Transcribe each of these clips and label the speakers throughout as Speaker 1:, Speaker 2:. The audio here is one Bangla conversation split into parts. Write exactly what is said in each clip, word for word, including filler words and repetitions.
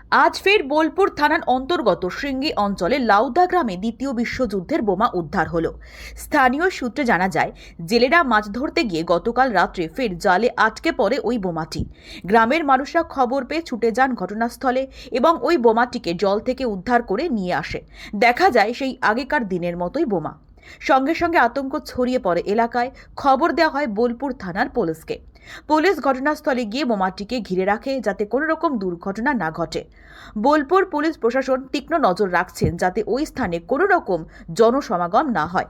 Speaker 1: আজ ফের বোলপুর থানার অন্তর্গত শৃঙ্গী অঞ্চলে লাউদা গ্রামে দ্বিতীয় বিশ্বযুদ্ধের বোমা উদ্ধার হলো। স্থানীয় সূত্রে জানা যায়, জেলেরা মাছ ধরতে গিয়ে গতকাল রাত্রে ফের জালে আটকে পড়ে ওই বোমাটি। গ্রামের মানুষরা খবর পেয়ে ছুটে যান ঘটনাস্থলে এবং ওই বোমাটিকে জল থেকে উদ্ধার করে নিয়ে আসে। দেখা যায় সেই আগেকার দিনের মতোই বোমা। সঙ্গে সঙ্গে আতঙ্ক ছড়িয়ে পড়ে এলাকায়। খবর দেওয়া হয় বোলপুর থানার পুলিশকে। পুলিশ ঘটনাস্থলে গিয়ে বোমাটিকে ঘিরে রাখে যাতে কোনো রকম দুর্ঘটনা না ঘটে। বোলপুর পুলিশ প্রশাসন তীক্ষ্ণ নজর রাখছেন যাতে ওই স্থানে কোনো রকম জনসমাগম না হয়।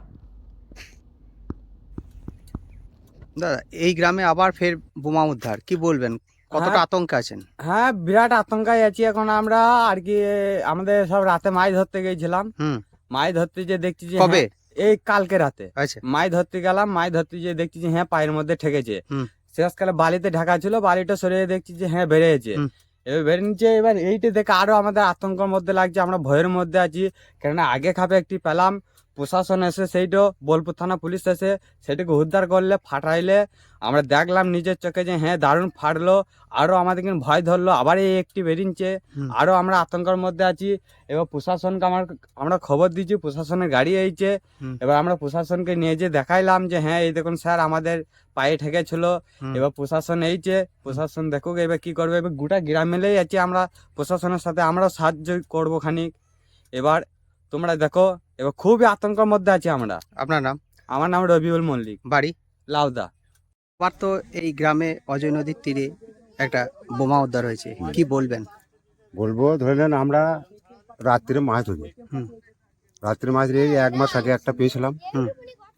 Speaker 2: দাদা, এই গ্রামে আবার ফের বোমা উদ্ধার, কি বলবেন? কতটা
Speaker 3: হ্যাঁ।
Speaker 2: আতঙ্কে আছেন?
Speaker 3: হ্যাঁ, বিরাট আতঙ্কায় আছি এখন আমরা আর কি। আমাদের সব রাতে মাছ ধরতে গেছিলাম।
Speaker 2: হুম।
Speaker 3: মাছ ধরতে যে দেখছি যে
Speaker 2: কবে?
Speaker 3: হ্যাঁ, এই কালকে রাতে
Speaker 2: আচ্ছা।
Speaker 3: মাছ ধরতে গেলাম। মাছ ধরতে যে দেখছি যে হ্যাঁ পায়ের মধ্যে ঠেকেছে।
Speaker 2: হুম।
Speaker 3: শেষকালে বালিতে ঢাকা ছিল, বালিটা সরিয়ে দেখছি যে হ্যাঁ বেড়েছে।
Speaker 2: হুম।
Speaker 3: এবার বেড়ে নিচ্ছে। এবার এইটা দেখে আরো আমাদের আতঙ্কের মধ্যে লাগছে, আমরা ভয়ের মধ্যে আছি। কেননা আগে খাপে একটি পেলাম, প্রশাসন এসে সেইটা বোলপুর থানা পুলিশ এসে সেটাকে উদ্ধার করলে, ফাটাইলে আমরা দেখলাম নিজের চোখে যে হ্যাঁ দারুণ ফাটলো। আরো আমাদের কিন্তু ভয় ধরলো, আবার এই একটি বেরিয়েছে।
Speaker 2: হুম।
Speaker 3: আরো আমরা আতঙ্কের মধ্যে আছি। এবার প্রশাসনকে আমার আমরা খবর দিচ্ছি, প্রশাসনের গাড়ি এইছে।
Speaker 2: হুম।
Speaker 3: এবার আমরা প্রশাসনকে নিয়ে যে দেখাইলাম যে হ্যাঁ এই দেখুন স্যার আমাদের পায়ে ঠেকেছিল।
Speaker 2: হুম।
Speaker 3: এবার প্রশাসন এইছে, প্রশাসন দেখুক এবার কি করবে। এবার গোটা গ্রাম মিলেই আছি আমরা, প্রশাসনের সাথে আমরাও সাহায্য করবো খানিক। এবার তোমরা দেখো, এবার খুবই আতঙ্কের মধ্যে আছি আমরা।
Speaker 2: আপনার নাম?
Speaker 3: আমার নাম রবিউল মল্লিক,
Speaker 2: বাড়ি?
Speaker 3: লাউদা।
Speaker 2: আবার তো এই গ্রামে অজয় নদীর তীরে একটা বোমা উদ্ধার হয়েছে, কি বলবেন?
Speaker 4: বলবো ধরে নেন আমরা রাত্রে মাছ ধরি।
Speaker 2: হুম।
Speaker 4: রাত্রে মাছ ধরে এক মাস আগে একটা পেয়েছিলাম।
Speaker 2: হুম।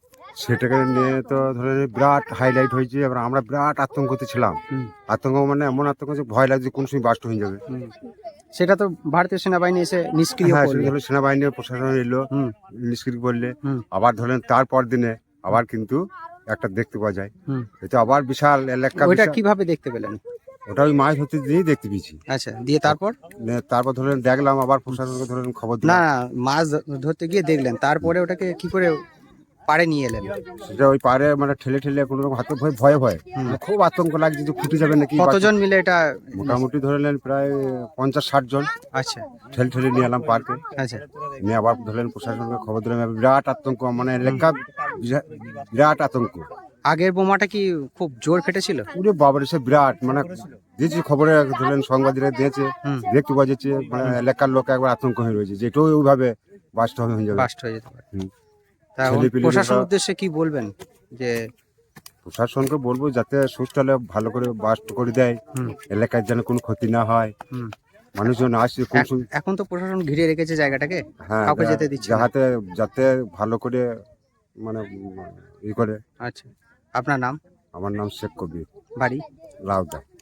Speaker 4: সেটাকে নিয়ে তো ধরে নিন বিরাট হাইলাইট হয়েছে। এবার আমরা বিরাট আতঙ্কতে ছিলাম।
Speaker 2: হুম।
Speaker 4: আতঙ্ক মানে এমন আতঙ্ক যে ভয় লাগছে কোন সময় বাস্ট হয়ে যাবে।
Speaker 2: হুম। সেটা তো ভারতীয় সেনাবাহিনী এসে নিষ্ক্রিয়
Speaker 4: হ্যাঁ,
Speaker 2: করলো।
Speaker 4: ধরুন সেনাবাহিনীর প্রশাসন এলো,
Speaker 2: হুম।
Speaker 4: নিষ্ক্রিয় করলে।
Speaker 2: হুম।
Speaker 4: আবার ধরেন তারপর দিনে আবার কিন্তু একটা দেখতে পাওয়া যায়।
Speaker 2: হুম।
Speaker 4: এটা আবার বিশাল এলাকা।
Speaker 2: ওইটা
Speaker 4: বিশাল-
Speaker 2: কিভাবে দেখতে পেলেন?
Speaker 4: ওটা ওই মাছ ধরতে দিয়েই দেখতে পেয়েছি।
Speaker 2: আচ্ছা, দিয়ে তারপর?
Speaker 4: নিয়ে তারপর ধরেন দেখলাম, আবার প্রশাসনকে ধরেন খবর
Speaker 2: না,
Speaker 4: দিলাম।
Speaker 2: মাছ ধ- ধরতে গিয়ে দেখলেন, তারপরে ওটাকে কি করে পাড়ে নিয়ে এলেন?
Speaker 4: সেটা ওই পারে মানে ঠেলে ঠেলে কোনো রকম হাতে ভয় ভয়ে ভয়ে
Speaker 2: হুম।
Speaker 4: মানে খুব আতঙ্ক লাগছে যে ফুটে যাবে নাকি।
Speaker 2: কতজন মিলে এটা?
Speaker 4: মোটামুটি ধরে নেন প্রায় পঞ্চাশ ষাট জন
Speaker 2: আচ্ছা।
Speaker 4: ঠেলে ঠেলে নিয়ে এলাম পার্কে।
Speaker 2: আচ্ছা।
Speaker 4: নিয়ে আবার ধরলেন প্রশাসনকে খবর দিলাম। এবার বিরাট আতঙ্ক, মানে এলাকা বিরা- বিরাট আতঙ্ক।
Speaker 2: আগের বোমাটা কি খুব জোর ফেটেছিল?
Speaker 4: পুরো বাবার এসে বিরাট মানে দিয়েছি খবরে, ধরলেন সাংবাদিকরা দিয়েছে,
Speaker 2: হুম।
Speaker 4: দেখতে পাওয়া যাচ্ছে। মানে এলাকার লোক একবার আতঙ্ক হয়ে রয়েছে যে এটাও ওইভাবে বাস্ট হয়ে যাবে।
Speaker 2: বাস্ট হয়ে যেতে পারে।
Speaker 4: হুম।
Speaker 2: তা এখন
Speaker 4: ছেলেপিলেদের
Speaker 2: প্রশাসন
Speaker 4: বা-
Speaker 2: উদ্দেশ্যে কি বলবেন? যে
Speaker 4: প্রশাসনকে বলবো যাতে সুস্থলে ভালো করে বাস্ট করে দেয়,
Speaker 2: হুম।
Speaker 4: এলাকার যেন কোনো ক্ষতি না হয়।
Speaker 2: হুম।
Speaker 4: মানুষজন আসছে কোন
Speaker 2: এখ-
Speaker 4: সময়-
Speaker 2: এখন তো প্রশাসন ঘিরে রেখেছে জায়গাটাকে,
Speaker 4: হ্যাঁ,
Speaker 2: কাউকে
Speaker 4: যা-
Speaker 2: যেতে দিচ্ছে না।
Speaker 4: যাহাতে যাতে ভালো করে মানে উম, ই করে।
Speaker 2: আচ্ছা, আপনার নাম?
Speaker 4: আমার নাম শেখ কবির,
Speaker 2: বাড়ি?
Speaker 4: লাউদা।